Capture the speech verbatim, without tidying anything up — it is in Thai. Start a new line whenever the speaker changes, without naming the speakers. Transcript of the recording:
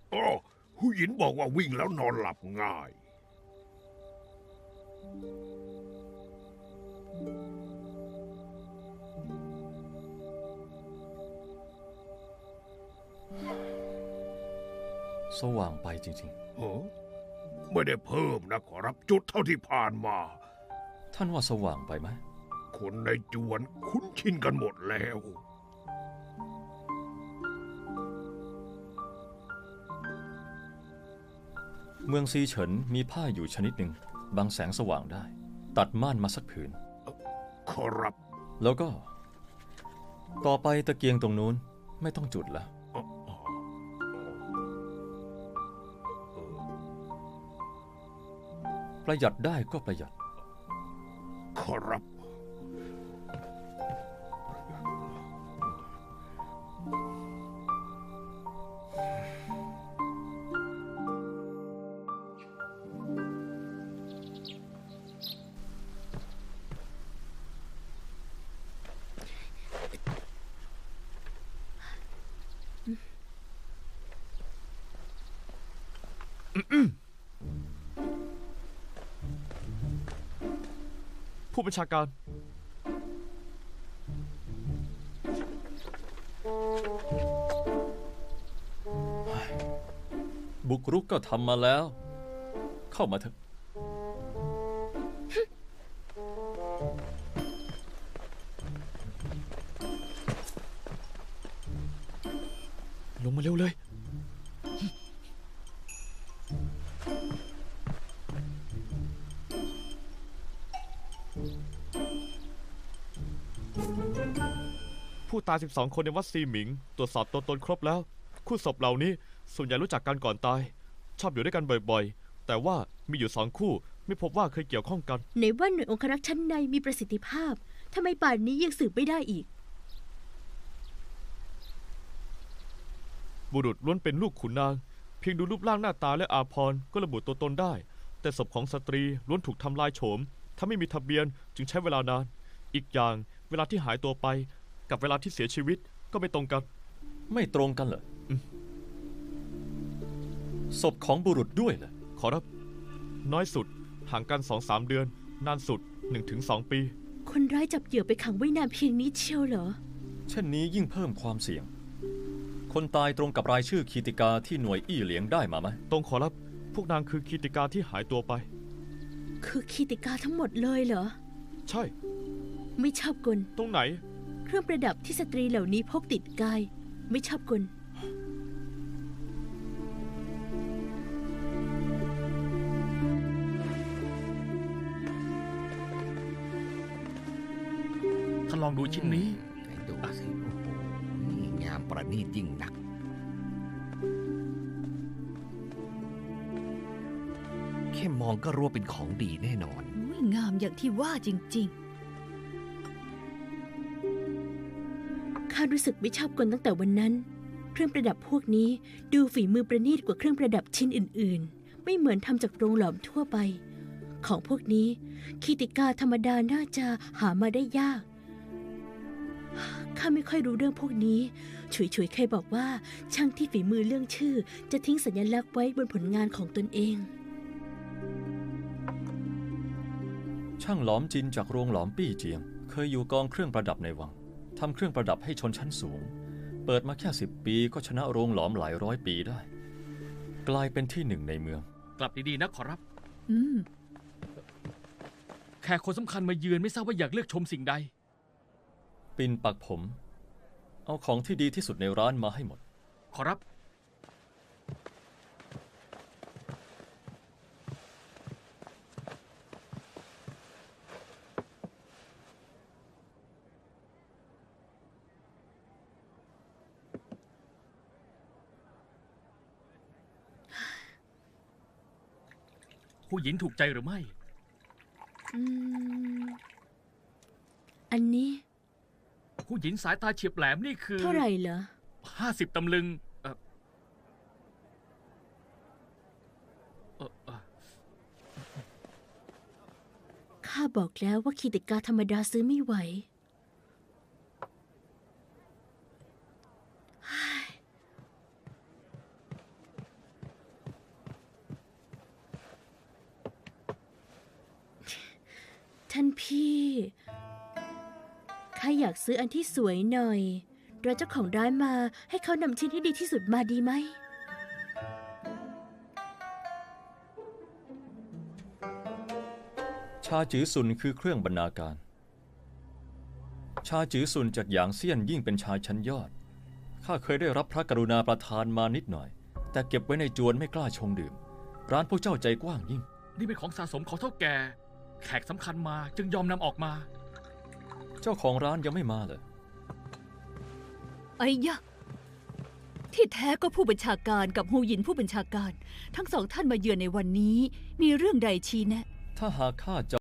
อ๋อผู้หญิงบอกว่าวิ่งแล้วนอนหลับง่าย
สว่างไปจริง
เออไม่ได้เพิ่มนะขอรับจุดเท่าที่ผ่านมา
ๆท่านว่าสว่างไปไหม
คนในจวนคุ้นชินกันหมดแล้ว
เมืองซีเฉินมีผ้าอยู่ชนิดหนึ่งบังแสงสว่างได้ตัดม่านมาสักผืน
ขอรับ
แล้วก็ต่อไปตะเกียงตรงนู้นไม่ต้องจุดละประหยัดได้ก็ประหยัด
ขอรับ
ผู้บัญชาการ
บุกรุกก็ทำมาแล้วเข้ามาเถอะ
ลงมาเร็วเลยผู้ตายสิบสองคนในวัดซีหมิงตรวจสอบตัวตนครบแล้วคู่ศพเหล่านี้ส่วนใหญ่รู้จักกันก่อนตายชอบอยู่ด้วยกันบ่อยๆแต่ว่ามีอยู่สองคู่ไม่พบว่าเคยเกี่ยวข้องกัน
ในว่าหน่วยองครักษ์ชั้นในมีประสิทธิภาพทำไมป่านนี้ยังสืบไม่ได้อีก
บุรุษล้วนเป็นลูกขุนนางเพียงดูรูปร่างหน้าตาและอาภรณ์ก็ระบุตัวตนได้แต่ศพของสตรีล้วนถูกทำลายโฉมถ้าไม่มีทะเบียนจึงใช้เวลานานอีกอย่างเวลาที่หายตัวไปกับเวลาที่เสียชีวิตก็ไม่ตรงกัน
ไม่ตรงกันเหรอศพของบุรุษด้วยเหรอ
ขอรับน้อยสุดห่างกันสองสามเดือนนานสุดหนึ่งถึงสองปี
คนร้ายจับเหยื่อไปขังไว้นานเพียงนี้เชียวเหรอ
เช่นนี้ยิ่งเพิ่มความเสี่ยงคนตายตรงกับรายชื่อคีติกาที่หน่วยอี้เหลียงได้มาไหม
ตรงขอรับพวกนางคือคีติกาที่หายตัวไป
คือคีติกาทั้งหมดเลยเหรอ
ใช่
ไม่ชอบกล
ตรงไหน
เครื่องประดับที่สตรีเหล่านี้พกติดกายไม่ชอบกล
ท่านลองดูชิ้นนี้
ดูสิโอ้โหงามประณีตยิ่งนักแค่มองก็รู้ว่าเป็นของดีแน่นอน
งามอย่างที่ว่าจริงๆข้ารู้สึกไม่ชอบกลตั้งแต่วันนั้นเครื่องประดับพวกนี้ดูฝีมือประณีตกว่าเครื่องประดับชิ้นอื่นๆไม่เหมือนทำจากโรงหลอมทั่วไปของพวกนี้คีติกาธรรมดาน่าจะหามาได้ยากข้าไม่ค่อยรู้เรื่องพวกนี้ฉุยฉุยเคยบอกว่าช่างที่ฝีมือเรื่องชื่อจะทิ้งสัญลักษณ์ไว้บนผลงานของตนเอง
ช่างหลอมจินจากโรงหลอมปี้เจียงเคยอยู่กองเครื่องประดับในวังทำเครื่องประดับให้ชนชั้นสูงเปิดมาแค่สิบปีก็ชนะโรงหลอมหลายร้อยปีได้กลายเป็นที่หนึ่งในเมือง
กลับดีๆนะขอรับ
อืม
แขกคนสำคัญมาเยือนไม่ทราบว่าอยากเลือกชมสิ่งใด
ปิ่นปักผมเอาของที่ดีที่สุดในร้านมาให้หมด
ขอรับผู้หญิงถูกใจหรือไม่
อืมอันนี้
ผู้หญิงสายตาเฉียบแหลมนี่คือ
เท่าไหร่เหรอ
ห้าสิบตำลึงเออเออเออ
ข้าบอกแล้วว่าคีติกาธรรมดาซื้อไม่ไหวท่านพี่ข้าอยากซื้ออันที่สวยหน่อยเราเจ้าของร้านมาให้เขานำชิ้นที่ดีที่สุดมาดีไหม
ชาจือซุนคือเครื่องบรรณาการ ชาจือซุนจากหยางเซียนยิ่งเป็นชายชั้นยอด ข้าเคยได้รับพระกรุณาประทานมานิดหน่อย แต่เก็บไว้ในจวนไม่กล้าชงดื่ม ร้านพวกเจ้าใจกว้างยิ่ง
นี่เป็นของสะสมของเท่าแก่ แขกสำคัญมาจึงยอมนำออกมา
เจ้าของร้านยังไม่มาเลย
ไอ้ยะที่แท้ก็ผู้บัญชาการกับฮูหยินผู้บัญชาการ ทั้งสองท่านมาเยือนในวันนี้ มีเรื่องใดชี้แนะ
ถ้าหากข้าจะ